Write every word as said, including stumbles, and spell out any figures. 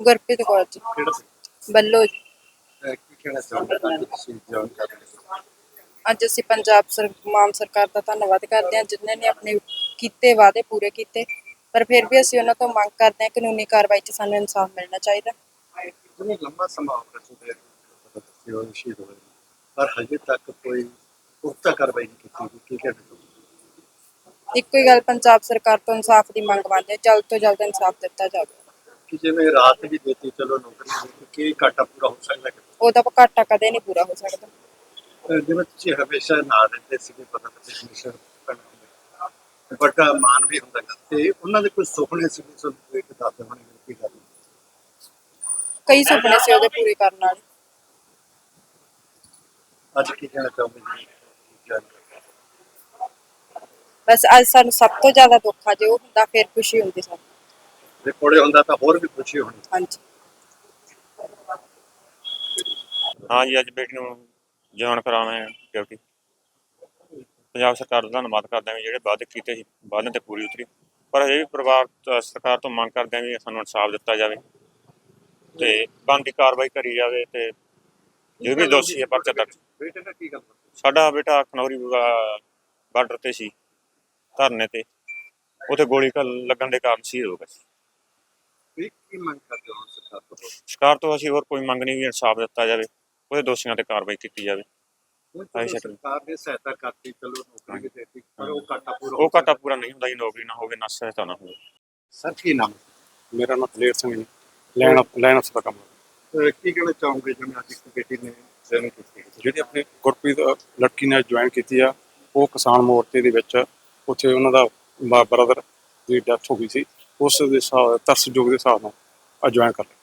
ਗੁਰਪ੍ਰੀਤ ਕੌਰ ਜੀ ਕਿਹੜਾ ਸੀ? ਬੱਲੋ ਜੀ। ਅਹ ਕੀ ਕਹਿਣਾ ਚਾਹੁੰਦੇ ਹੋ ਕਿ ਤੁਸੀਂ ਜੁਆਇਨ ਕਰ ਰਹੇ ਹੋ? ਅੱਜ ਅਸੀਂ ਪੰਜਾਬ ਸਰ ਮਾਨ ਸਰਕਾਰ ਦਾ ਧੰਨਵਾਦ ਕਰਦੇ ਹਾਂ ਜਿਨ੍ਹਾਂ ਨੇ ਆਪਣੇ ਕੀਤੇ ਵਾਅਦੇ ਪੂਰੇ ਕੀਤੇ, ਪਰ ਫਿਰ ਵੀ ਅਸੀਂ ਉਹਨਾਂ ਤੋਂ ਮੰਗ ਕਰਦੇ ਹਾਂ ਕਾਨੂੰਨੀ ਕਾਰਵਾਈ 'ਚ ਸਾਨੂੰ ਇਨਸਾਫ ਮਿਲਣਾ ਚਾਹੀਦਾ। ਜਿਵੇਂ ਲੰਬਾ ਸਮਾਂ ਹੋ ਗਿਆ ਤੁਹਾਡੇ ਬੱਚੇ ਹੋਏ ਸ਼ਹੀਦ ਹੋਏ ਨੇ, ਪਰ ਹਜੇ ਤੱਕ ਕੋਈ ਪੁਖਤਾ ਕਾਰਵਾਈ ਨਹੀਂ ਕੀਤੀ ਗਈ। ਕੀ ਕਹਿਣਾ ਚਾਹੁੰਦੇ ਹੋ? ਇੱਕੋ ਹੀ ਗੱਲ ਪੰਜਾਬ ਸਰਕਾਰ ਤੋਂ ਇਨਸਾਫ ਦੀ ਮੰਗ ਮੰਨਦੇ ਹਾਂ, ਜਲਦ ਤੋਂ ਜਲਦ ਇਨਸਾਫ ਦਿੱਤਾ ਜਾਵੇ। ਕਿ ਜਿਵੇਂ ਰਾਤ ਵੀ ਦਿੱਤੀ, ਚਲੋ ਨੌਕਰੀ ਦਿੱਤੀ, ਕੀ ਘਾਟਾ ਪੂਰਾ ਹੋ ਸਕਦਾ ਹੈ? ਉਹਦਾ ਘਾਟਾ ਕਦੇ ਨਹੀਂ ਪੂਰਾ ਹੋ ਸਕਦਾ। ਅਹ ਜਿਵੇਂ ਤੁਸੀਂ ਹਮੇਸ਼ਾ ਨਾਲ ਰਹਿੰਦੇ ਸੀਗੇ, ਪਤਾ ਨਹੀਂ ਕਮਿਸ਼ਨ ਵੱਡਾ ਮਾਨ ਵੀ ਹੁੰਦਾ ਗਾ, ਤੇ ਉਹਨਾਂ ਦੇ ਕੋਈ ਸੁਪਨੇ ਸੀ ਤੁਹਾਨੂੰ ਇੱਕ ਦੱਸਦੇ ਹੋਣੇ ਕੀ ਗੱਲ? ਕਈ ਸੁਪਨੇ ਸੀ ਉਹਦੇ ਪੂਰੇ ਕਰਨ ਵਾਲੇ। ਅੱਜ ਕੀ ਕਹਿਣਾ ਚਾਹੁੰਦੇ ਜੀ? ਬਸ ਅੱਜ ਸਾਨੂੰ ਸਭ ਤੋਂ ਜ਼ਿਆਦਾ ਦੁੱਖ ਆ, ਜੇ ਉਹ ਹੁੰਦਾ ਫਿਰ ਖੁਸ਼ੀ ਹੁੰਦੀ ਸਾਨੂੰ। ਜੇ ਕੋਲੇ ਹੁੰਦਾ ਤਾਂ ਹੋਰ ਵੀ ਖੁਸ਼ੀ ਹੋਣੀ। ਹਾਂਜੀ हाँ जी, अज बेटी नूं जॉइन कराना है ड्यूटी। पंजाब सरकार का धन्नवाद करते हैं जो वादे किए सी, वादे ते पूरी उतरी, पर अजे भी परिवार तो सरकार तो मंग करते हैं भी सानूं इंसाफ दिता जाए ते बनदी कार्रवाई करी जाए ते जो भी दोषी है परचा दर्ज। बेटे का की गल? साडा बेटा खनौरी बार्डर ते सी धरने ते, उत्थे गोली लगन के कारण शहीद हो गया। ਕੀ ਕੀ ਮੰਗ ਕਰਦੇ ਹੋ ਸਰਕਾਰ ਤੋਂ? सरकार तो असीं होर कोई मंग नहीं भी इंसाफ दिता जाए, ਉਹਦੇ ਦੋਸ਼ੀਆਂ ਤੇ ਕਾਰਵਾਈ ਕੀਤੀ ਜਾਵੇ। ਹੁਣ ਚਲੋ ਸਰਕਾਰ ਨੇ ਸਹਾਇਤਾ ਕਰਤੀ, ਚਲੋ ਨੌਕਰੀ ਵੀ ਦੇਤੀ, ਪਰ ਉਹ ਘਾਟਾ ਪੂਰਾ ਉਹ ਘਾਟਾ ਪੂਰਾ ਨਹੀਂ ਹੁੰਦਾ ਜੀ, ਨੌਕਰੀ ਨਾ ਹੋਵੇ ਨਾ ਸਹਾਇਤਾ ਨਾ ਹੋਵੇ। ਸਰ ਕੀ ਨਾਮ? ਮੇਰਾ ਨਾਮ ਦਲੇਰ ਸਿੰਘ ਜੀ, ਲੈਣ ਲੈਣ ਅਫਸਰ ਦਾ ਕੰਮ। ਅਹ ਕੀ ਕਹਿਣਾ ਚਾਹੋਗੇ ਜਿਵੇਂ ਅੱਜ ਇੱਕ ਬੇਟੀ ਨੇ ਜੁਆਇਨ ਕੀਤੀ? ਜਿਹੜੀ ਆਪਣੀ ਗੁਰਪ੍ਰੀਤ ਲੜਕੀ ਨੇ ਜੁਆਇਨ ਕੀਤੀ ਆ, ਉਹ ਕਿਸਾਨ ਮੋਰਚੇ ਦੇ ਵਿੱਚ ਉੱਥੇ ਉਹਨਾਂ ਦਾ ਬ੍ਰਦਰ ਦੀ ਡੈਥ ਹੋ ਗਈ ਸੀ, ਉਸ ਦੇ ਹਿਸਾਬ ਤਰਸਯੋਗ ਦੇ ਹਿਸਾਬ ਨਾਲ ਜੁਆਇਨ ਕਰ ਲਿਆ।